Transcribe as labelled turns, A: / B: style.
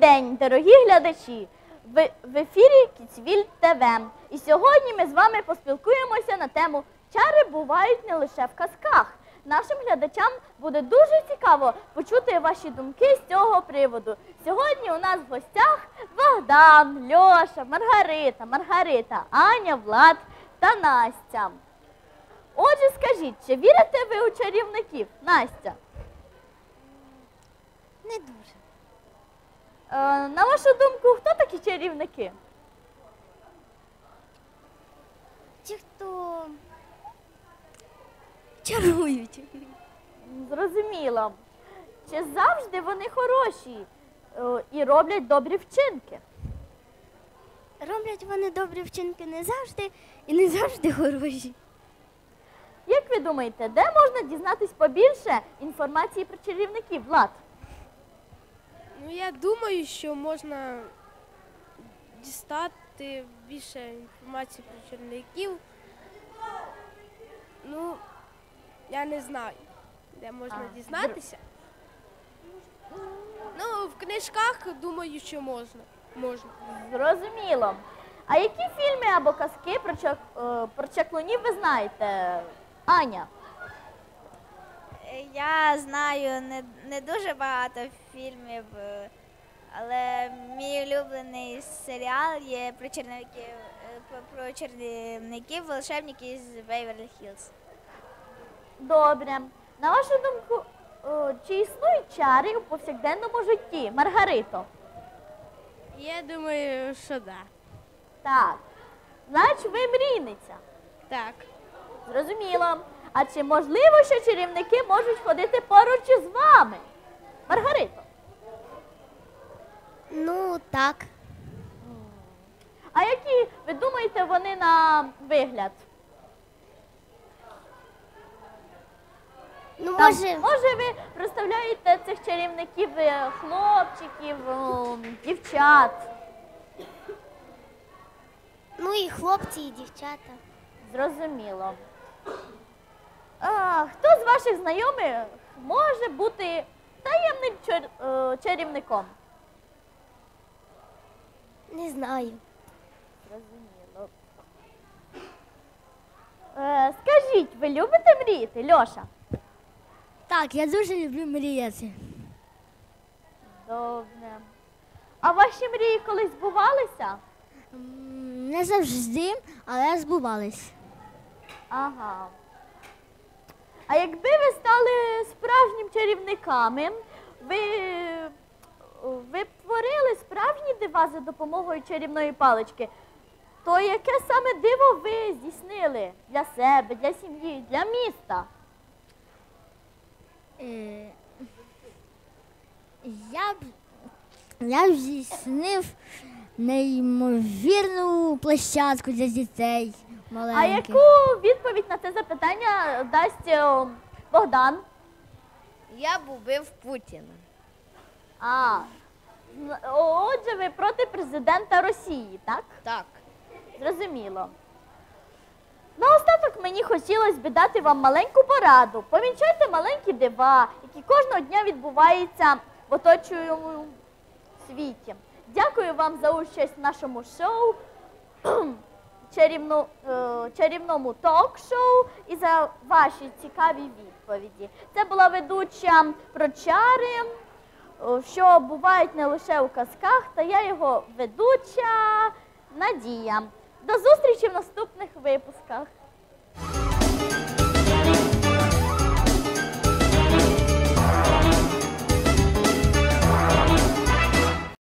A: день, дорогі глядачі! В ефірі Кіцвіль ТВ. І сьогодні ми з вами поспілкуємося на тему «Чари бувають не лише в казках». Нашим глядачам буде дуже цікаво почути ваші думки з цього приводу. Сьогодні у нас в гостях Богдан, Льоша, Маргарита, Аня, Влад та Настя. Отже, скажіть, чи вірите ви у чарівників? Настя?
B: Не дуже.
A: На вашу думку, хто такі чарівники?
B: Ті, хто чарують.
A: Зрозуміло. Чи завжди вони хороші і роблять добрі вчинки?
B: Роблять вони добрі вчинки не завжди і не завжди хороші.
A: Як ви думаєте, де можна дізнатись побільше інформації про чарівників, Влад?
C: Ну, я думаю, що можна дістати більше інформації про чарівників. Ну, я не знаю, де можна дізнатися. Ну, в книжках, думаю, що можна.
A: Зрозуміло. А які фільми або казки про чаклунів ви знаєте, Аня?
D: Я знаю не дуже багато фільмів, але мій улюблений серіал є про чарівників, волшебників з Беверлі Хіллз.
A: Добре. На вашу думку, чи існують чари у повсякденному житті? Маргарито?
C: Я думаю, що да.
A: Так. Значить, ви мрійниця.
C: Так.
A: Зрозуміло. А чи можливо, що чарівники можуть ходити поруч із вами? Маргарито?
B: Ну, так.
A: А які, ви думаєте, вони на вигляд?
B: Ну,
A: Може, ви представляєте цих чарівників хлопчиків, дівчат?
B: Ну і хлопці, і дівчата.
A: Зрозуміло. Хто з ваших знайомих може бути таємним чарівником?
B: Не знаю.
A: Зрозуміло. Скажіть, ви любите мріяти, Льоша?
B: Так, я дуже люблю мріяти.
A: Добре. А ваші мрії колись збувалися?
B: Не завжди, але збувались.
A: Ага. А якби ви стали справжнім чарівниками, ви б творили справжні дива за допомогою чарівної палички, то яке саме диво ви здійснили для себе, для сім'ї, для міста?
B: Я б здійснив неймовірну площадку для дітей маленьких.
A: А яку відповідь на це запитання дасть Богдан?
D: Я б убив Путіна.
A: Отже, ви проти президента Росії, так?
D: Так.
A: Зрозуміло. Наостаток мені хотілося б дати вам маленьку пораду. Помічайте маленькі дива, які кожного дня відбуваються в оточуючому світі. Дякую вам за участь в нашому шоу, чарівному ток-шоу і за ваші цікаві відповіді. Це була ведуча про чари, що бувають не лише у казках, та я його ведуча Надія. До зустрічі в наступних випусках.